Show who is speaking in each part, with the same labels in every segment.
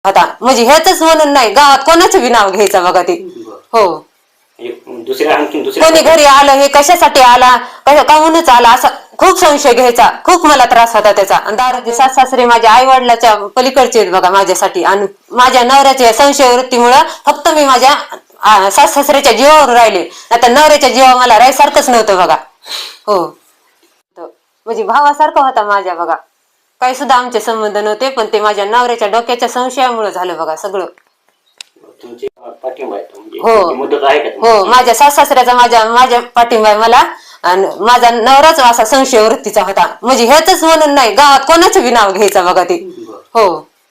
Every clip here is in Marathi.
Speaker 1: आता म्हणजे हेच म्हणून नाही, गावात कोणाचं बी नाव घ्यायचं बघा ते. हो, कोणी घरी आलं हे कशासाठी आला, काहूनच आला असा खूप संशय घ्यायचा. खूप मला त्रास होता त्याचा. दारूचे सासरे माझ्या आई वडिलाच्या पलीकडचे आहेत बघा माझ्यासाठी. आणि माझ्या नवऱ्याच्या संशय वृत्तीमुळं फक्त मी माझ्या सासऱ्याच्या जीवावर राहिले, आता नवऱ्याच्या जीवा मला राहायसारखंच नव्हतं बघा. हो, म्हणजे भावासारखा होता माझ्या बघा. काही सुद्धा आमचे संबंध नव्हते, पण ते माझ्या नवऱ्याच्या डोक्याच्या संशयामुळे झालं बघा सगळं. हो, माझ्या सासऱ्याचा माझ्या पाठिंबा आहे मला. आणि माझा नवराच असा संशय वृत्तीचा होता. म्हणजे हेच म्हणून नाही, गावात कोणाचं बी नाव घ्यायचं बघा ते. हो,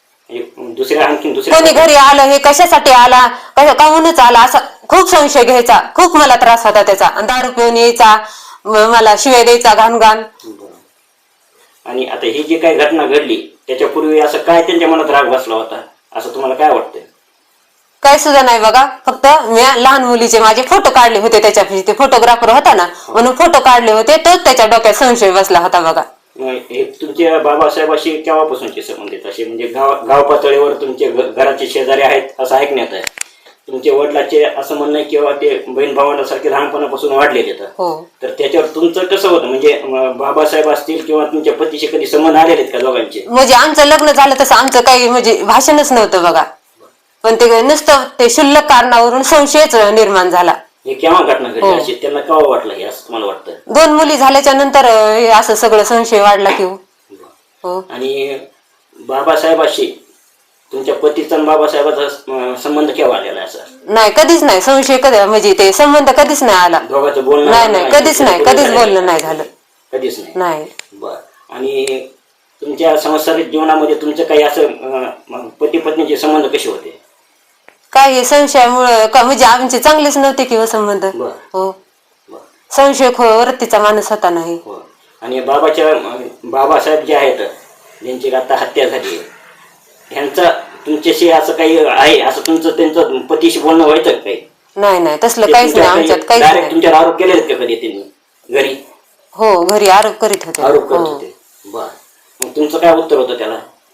Speaker 1: कोणी घरी आलं हे कशासाठी आला, काहूनच आला असा खूप संशय घ्यायचा. खूप मला त्रास होता त्याचा. दारू पिऊन यायचा, मला शिवाय द्यायचा घाण.
Speaker 2: आणि आता ही जी काही घटना घडली त्याच्यापूर्वी असं काय त्यांच्या मनात राग बसला होता असं तुम्हाला काय वाटतंय?
Speaker 1: काय सुद्धा नाही बघा. फक्त मी लहान मुलीचे माझे फोटो काढले होते त्याच्यापाशी. ते फोटोग्राफर होता ना, म्हणून फोटो काढले होते, तोच त्याच्या डोक्यात संशय बसला होता बघा.
Speaker 2: हे तुमच्या बाबासाहेबाशी केव्हापासूनचे संबंधित असे म्हणजे गाव पातळीवर तुमचे घराचे शेजारी आहेत असं ऐकण्यात आहे. तुमच्या वडिलाचे असं म्हणणं आहे किंवा ते बहीण भावांसारखे लहानपणापासून वाढलेले तर त्याच्यावर तुमचं कसं होतं म्हणजे बाबासाहेब असतील किंवा तुमच्या पतीशी कधी संबंध आलेले आहेत का दोघांचे?
Speaker 1: म्हणजे आमचं लग्न झालं तसं आमचं काही म्हणजे भाषणच नव्हतं बघा. पण ते नुसतं ते क्षुल्लक कारणावरून संशयच निर्माण झाला.
Speaker 2: हे केव्हा घटना घडली अशी त्यांना केव्हा वाटलं हे असं तुम्हाला वाटतं?
Speaker 1: 2 मुली झाल्याच्या नंतर असं सगळं संशय वाढला की. हो,
Speaker 2: आणि बाबासाहेबाशी तुमच्या पतीचा बाबासाहेबाचा संबंध केव्हा आलेला असं?
Speaker 1: नाही, कधीच नाही संशय. कधी म्हणजे ते संबंध कधीच नाही आला.
Speaker 2: दोघांचं बोलणं
Speaker 1: नाही, कधीच बोलणं नाही झालं.
Speaker 2: कधीच
Speaker 1: नाही.
Speaker 2: बर. आणि तुमच्या सांसारिक जीवनामध्ये तुमचं काही असं पती पत्नीचे संबंध कसे होते?
Speaker 1: काही संशयामुळं म्हणजे आमचे चांगलेच नव्हते किंवा संबंध. हो, संशय वृत्तीचा माणूस होता. नाही.
Speaker 2: आणि बाबासाहेब जे आहेत ज्यांची आता हत्या झाली ह्यांचा तुमच्याशी असं काही आहे असं तुमचं त्यांचं पतीशी बोलणं व्हायचं काही?
Speaker 1: नाही, तसलं काहीच नाही आमच्यात. काहीच नाही.
Speaker 2: तुमच्यावर आरोप केले आहेत का कधी त्यांनी घरी?
Speaker 1: हो, घरी आरोप करीत होते.
Speaker 2: बर. मग तुमचं काय उत्तर होतं त्याला?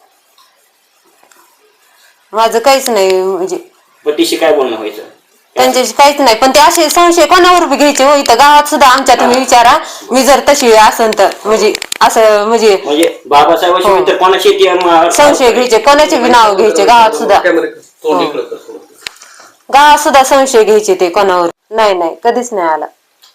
Speaker 1: माझं काहीच नाही. म्हणजे
Speaker 2: पतीशी काय बोलणं व्हायचं?
Speaker 1: त्यांच्याशी काहीच नाही. पण ते असे संशय कोणावर बी घ्यायचे हो. इथं गावात सुद्धा आमच्या तुम्ही विचारा, मी जर तशी असन तर म्हणजे असं म्हणजे
Speaker 2: बाबासाहेबांशी कोणाशी
Speaker 1: संशय घ्यायचे, कोणाचे बी नाव घ्यायचे गावात सुद्धा. गावात सुद्धा संशय घ्यायचे ते कोणावर. नाही, कधीच नाही आला.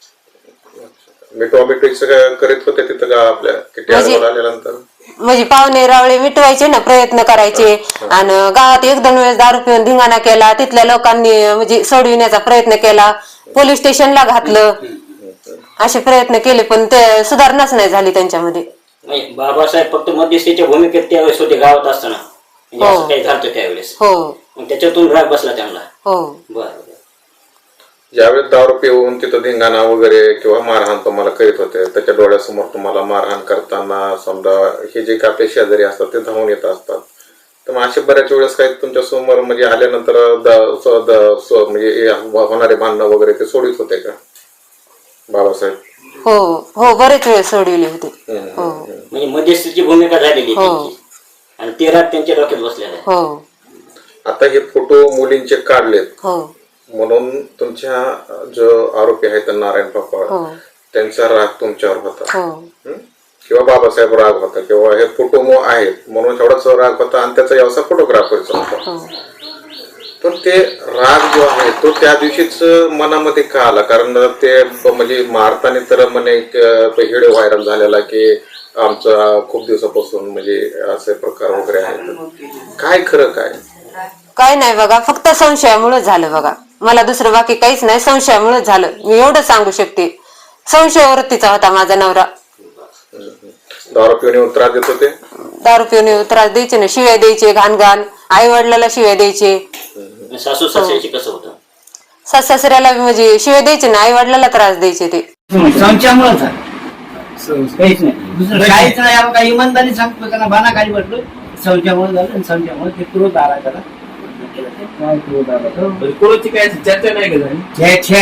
Speaker 3: करीत होते तिथं आपल्या
Speaker 1: म्हणजे पाहुणे रावळे मिटवायचे ना, प्रयत्न करायचे. आणि गावात 1-2 वेळेस दारू पिऊन धिंगाणा केला. तिथल्या लोकांनी म्हणजे सोडविण्याचा प्रयत्न केला, पोलीस स्टेशनला घातलं, असे प्रयत्न केले, पण ते सुधारणाच नाही झाली त्यांच्यामध्ये.
Speaker 2: बाबासाहेब फक्त मध्यस्थीच्या भूमिकेत त्यावेळेस होते गावात असताना काही झालं त्यावेळेस.
Speaker 1: हो,
Speaker 2: त्याच्यातून राग बसला त्यांना.
Speaker 1: हो.
Speaker 2: बरं.
Speaker 3: ज्यावेळेस दारू पिऊन तिथं धिंगाणा वगैरे किंवा मारहाण तुम्हाला करीत होते, त्याच्या डोळ्यासमोर तुम्हाला मारहाण करताना समजा हे जे आपले शेजारी असतात ते धावून येत असतात, तर मग असे बऱ्याच वेळेस काही तुमच्या समोर म्हणजे आल्यानंतर म्हणजे होणारे भांडणं वगैरे ते सोडित होते का बाबासाहेब?
Speaker 1: हो, बरेच वेळ सोडविले होते.
Speaker 2: म्हणजे मध्यस्थीची भूमिका झालेली आणि ते राग त्यांच्या डोक्यात बसलेला आहे.
Speaker 1: हो.
Speaker 3: आता हे फोटो मुलींचे काढलेत.
Speaker 1: हो.
Speaker 3: म्हणून तुमच्या जो आरोपी आहेत नारायण पापा त्यांचा राग तुमच्यावर होता किंवा बाबासाहेब राग होता किंवा हे फोटो आहेत म्हणून एवढाच राग होता आणि त्याचा व्यवसाय फोटोग्राफरचा होता. पण ते राग जो आहे तो त्या दिवशीच मनामध्ये का आला? कारण ते म्हणजे मारताना तर म्हणे व्हिडिओ व्हायरल झालेला की आमचा खूप दिवसापासून म्हणजे असे प्रकार वगैरे आहेत. काय खरं काय
Speaker 1: नाही बघा, फक्त संशयामुळे झालं बघा. मला दुसरं बाकी काहीच नाही, संशयामुळे झालं. मी एवढं सांगू शकते. संशय वृत्तीचा होता माझा नवरा.
Speaker 3: दारू पिऊन त्रास देत होते.
Speaker 1: दारू पिऊन त्रास द्यायचे ना, शिव्या द्यायचे घाण. आई वडिलाला शिव्या द्यायचे.
Speaker 2: सासू सासऱ्याशी कसं होतं?
Speaker 1: सासऱ्याला म्हणजे शिव्या द्यायचे ना, आई वडिलाला त्रास द्यायचे. ते
Speaker 4: संशयामुळे काहीच नाही, काहीच नाही. काही इमानदारी सांगतो त्यांना बाना खाली बसलो. संशयामुळे झालं आणि संशयामुळे ते क्रोध आला त्याला. काय क्रोध आला?
Speaker 5: कोणाची काय चर्चा नाही का झाली?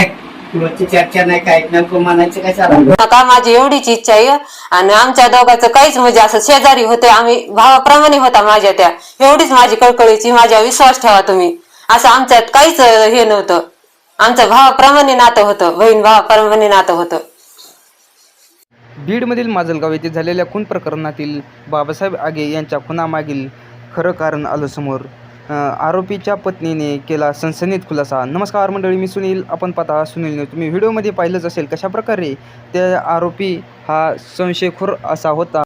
Speaker 4: किंवा ती चर्चा नाही काय नेमकं म्हणायचं काय चालू
Speaker 1: नका, माझी एवढीच इच्छा आहे. आणि आमच्या दोघांचं काहीच म्हणजे असं शेजारी होते, आम्ही भावाप्रमाणे होता माझ्या त्या. एवढीच माझी कळकळीची, माझ्या विश्वास ठेवा तुम्ही. असं आमच्यात काहीच हे नव्हतं. आमचं भावाप्रमाणे नातं होतं, बहीण भावाप्रमाणे नातं होतं.
Speaker 5: बीडमधील माजलगाव येथे झालेल्या खून प्रकरणातील बाबासाहेब आगे यांच्या खुनामागील खरं कारण आलं समोर. आरोपीच्या पत्नीने केला सनसनीत खुलासा. नमस्कार मंडळी, मी सुनील. आपण पाहता सुनील न्यूज. तुम्ही व्हिडिओमध्ये पाहिलंच असेल कशाप्रकारे त्या आरोपी हा संशयखोर असा होता.